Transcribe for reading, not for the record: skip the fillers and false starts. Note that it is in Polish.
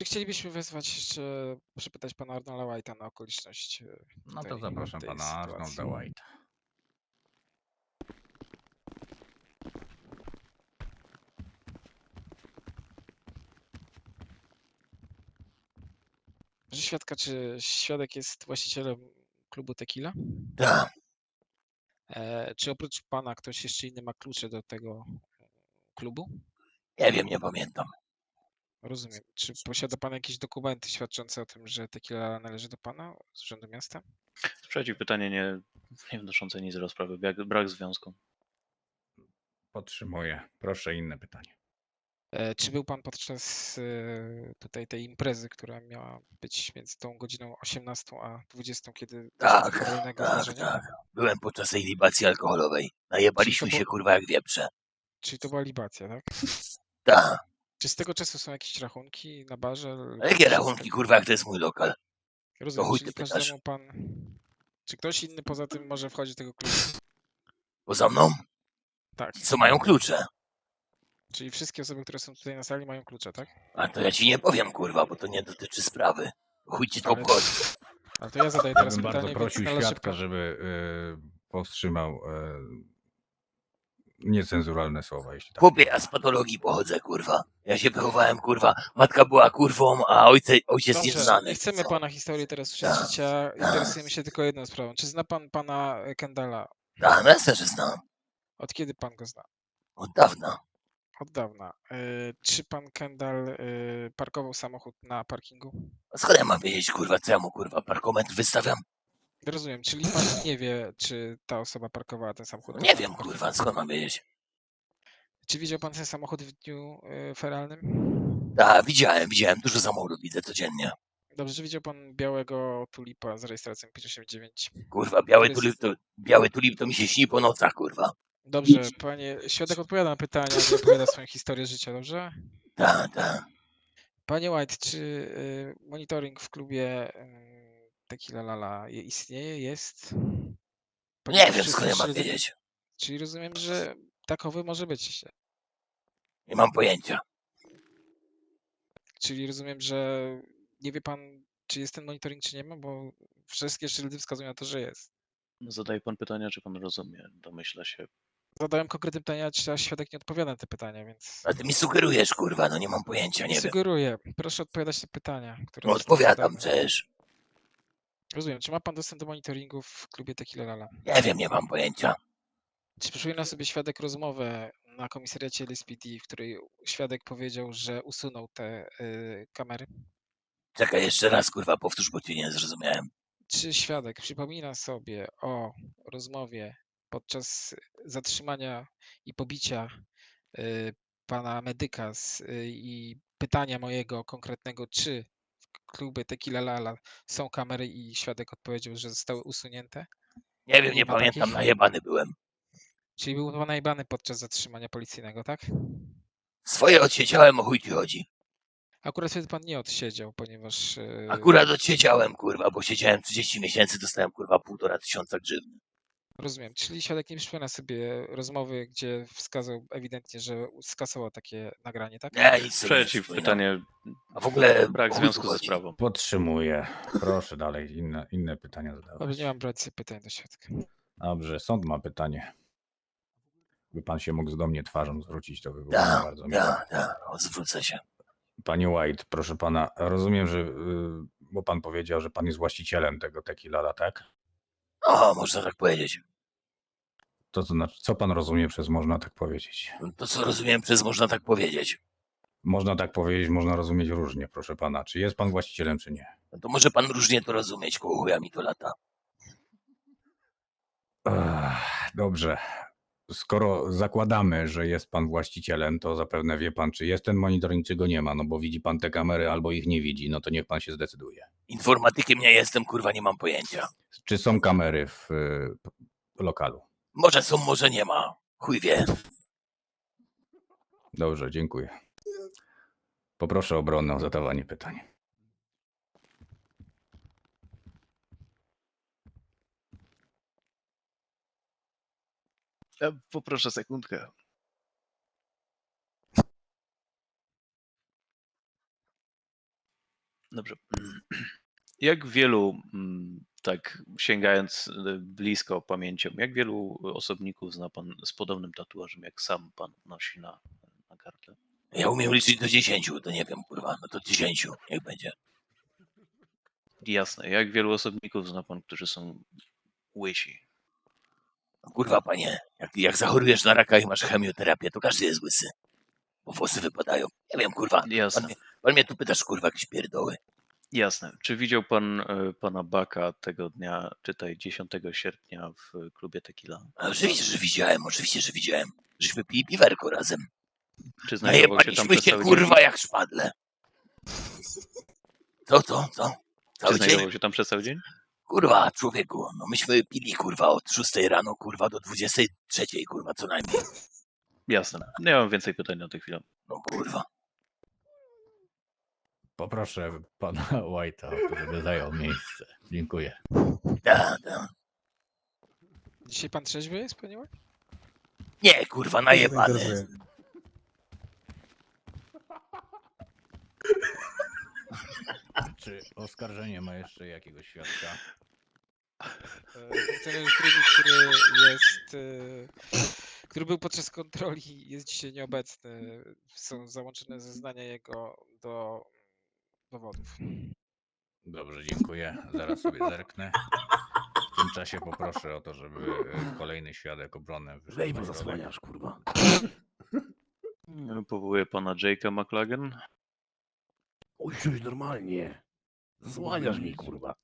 Chcielibyśmy wezwać jeszcze, przepytać pana Arnolda White'a na okoliczność No to tutaj zapraszam tej pana Arnolda sytuacji. White'a. Proszę świadka, czy świadek jest właścicielem klubu Tequila? Tak, Czy oprócz pana ktoś jeszcze inny ma klucze do tego klubu? nie wiem, nie pamiętam. Rozumiem. Czy posiada pan jakieś dokumenty świadczące o tym, że Tequila należy do pana z urzędu miasta? Sprzeciw, pytanie nie wnoszące nic do rozprawy. Brak związku. Podtrzymuję. Proszę inne pytanie. Czy był pan podczas tutaj tej imprezy, która miała być między tą godziną 18 a 20, kiedy doszło do Tak, fatalnego tak, zdarzenia? tak. Byłem podczas tej libacji alkoholowej. Najebaliśmy się, kurwa, jak wieprze. Czyli to była libacja, tak? Tak. Czy z tego czasu są jakieś rachunki na barze? lub A jakie jakieś rachunki, kurwa, jak to jest mój lokal? To Rozumiem, chuj czyli ty pytasz. każdemu pan... Czy ktoś inny poza tym może wchodzić do tego klubu? Poza mną? Tak. Ci, co mają klucze. Czyli wszystkie osoby, które są tutaj na sali, mają klucze, tak? A to ja ci nie powiem, kurwa, bo to nie dotyczy sprawy. Chuj ci to Ale- obchodzi. Ale to ja zadaję Ja teraz bym bardzo pytanie, prosił więc należy świadka, pan... żeby powstrzymał niecenzuralne słowa, jeśli tak. Chłopie, ja z patologii pochodzę, kurwa. Ja się wychowałem, kurwa. Matka była kurwą, a ojciec Dobrze, nieznany. nie chcemy Co? pana historii teraz słyszeć Tak, życia. tak. Interesujemy się tylko jedną sprawą. Czy zna pan pana Kendalla? Tak, no jasne, że znam. Od kiedy pan go zna? Od dawna. Od dawna. Czy pan Kendall parkował samochód na parkingu? A skąd ja mam wiedzieć, kurwa, co ja mu, kurwa, parkometr wystawiam? Rozumiem, czyli pan nie wie, czy ta osoba parkowała ten samochód. No na nie tym wiem, parkingu? kurwa, skąd mam wiedzieć? Czy widział pan ten samochód w dniu feralnym? Tak, widziałem. Dużo samochodów widzę codziennie. Dobrze, czy widział pan białego tulipa z rejestracją 589? Kurwa, Który jest- biały tulip to mi się śni po nocach, kurwa. Dobrze, panie świadek odpowiada na pytania, nie opowiada swoją historię życia, dobrze? Tak. Panie White, czy monitoring w klubie Tequila Lala istnieje, jest? Nie Ponieważ wiem, wszystkie skąd ja mam śledztwa- wiedzieć. Czyli rozumiem, że takowy może być. Nie mam pojęcia. Czyli rozumiem, że nie wie pan, czy jest ten monitoring, czy nie ma, bo wszystkie ślady wskazują na to, że jest. Zadaje pan pytania, czy pan rozumie? Domyśla się. Zadałem konkretne pytania, a świadek nie odpowiada na te pytania, więc A ty mi sugerujesz, kurwa, no nie mam pojęcia, nie nie wiem. sugeruję. Proszę odpowiadać na pytania, które No zostały odpowiadam zadane. przecież. Rozumiem. Czy ma pan dostęp do monitoringu w klubie Tequila Lala? Nie wiem, nie mam pojęcia. Czy przypomina sobie świadek rozmowę na komisariacie LSPD, w której świadek powiedział, że usunął te kamery? Czekaj, jeszcze raz, kurwa, powtórz, bo cię nie zrozumiałem. Czy świadek przypomina sobie o rozmowie podczas zatrzymania i pobicia pana medyka i pytania mojego konkretnego, czy w klubie Tequila Lala są kamery i świadek odpowiedział, że zostały usunięte? Nie wiem, nie ma pamiętam, takich? najebany byłem. Czyli był pan najbany podczas zatrzymania policyjnego, tak? Swoje odsiedziałem, o chuj ci chodzi. Akurat wtedy pan nie odsiedział, ponieważ Akurat odsiedziałem, kurwa, bo siedziałem 30 miesięcy, dostałem, kurwa, 1500 grzywny. rozumiem. Czyli świadek nie przypomina sobie rozmowy, gdzie wskazał ewidentnie, że skasował takie nagranie, tak? Nie, nic sobie nie Sprzeciw, przypominam. pytanie. A w ogóle Brak o chuj związku tu ze chodzi? sprawą. Podtrzymuję. Proszę dalej inne pytania Dobrze, zadawać. nie mam brać pytań do świadka. Dobrze, sąd ma pytanie. Gdyby pan się mógł do mnie twarzą zwrócić, to by było bardzo miłe. Zwrócę się. Panie White, proszę pana, rozumiem, że, bo pan powiedział, że pan jest właścicielem tego Tequila, tak? O, można tak powiedzieć. To znaczy, co pan rozumie przez można tak powiedzieć? To, co rozumiem przez można tak powiedzieć. Można tak powiedzieć, można rozumieć różnie, proszę pana. Czy jest pan właścicielem, czy nie? No to może pan różnie to rozumieć, koło chuja mi to lata. Dobrze. Skoro zakładamy, że jest pan właścicielem, to zapewne wie pan, czy jest ten monitoring, czy go nie ma. No bo widzi pan te kamery albo ich nie widzi. No to niech pan się zdecyduje. Informatykiem nie jestem, kurwa, nie mam pojęcia. Czy są kamery w lokalu? Może są, może nie ma. Chuj wie. Dobrze, dziękuję. Poproszę obronę o zadawanie pytań. Ja poproszę sekundkę. Dobrze. Jak wielu, tak sięgając blisko pamięcią, jak wielu osobników zna pan z podobnym tatuażem, jak sam pan nosi na gardle? Ja umiem liczyć do 10, to nie wiem, kurwa, no to 10, niech będzie. Jasne. Jak wielu osobników zna pan, którzy są łysi? No, kurwa, panie, jak zachorujesz na raka i masz chemioterapię, to każdy jest łysy. Bo włosy wypadają. Nie wiem, kurwa, Jasne. pan mnie tu pytasz, kurwa, jakieś pierdoły. Jasne. Czy widział pan pana Baka tego dnia, czytaj 10 sierpnia w klubie Tequila? A oczywiście, że widziałem. Żeśmy pili piwerko razem. Czy znajdował się tam Najebaliśmy przez się, cały kurwa, dzień? jak szpadle. Co? Czy Cały dzień? znajdował się tam przez cały dzień? Kurwa, człowieku, no myśmy pili, kurwa, od 6 rano, kurwa, do 23, kurwa, co najmniej. Jasne. Nie mam więcej pytań na tę chwilę. No kurwa. Poproszę pana White'a, żeby zajął miejsce. Dziękuję. Da. Dzisiaj pan trzeźwy jest, panie White? Nie, kurwa, najebany. Czy oskarżenie ma jeszcze jakiegoś świadka? Funkcjonariusz drugi, który jest, który był podczas kontroli, jest dzisiaj nieobecny. Są załączone zeznania jego do dowodów. Dobrze, dziękuję. Zaraz sobie zerknę. W tym czasie poproszę o to, żeby kolejny świadek obrony wyszedł Weź, na bo środek. zasłaniasz, kurwa. Powołuję pana Jake'a McLagan. Usiądź normalnie. Zasłaniasz mi, kurwa.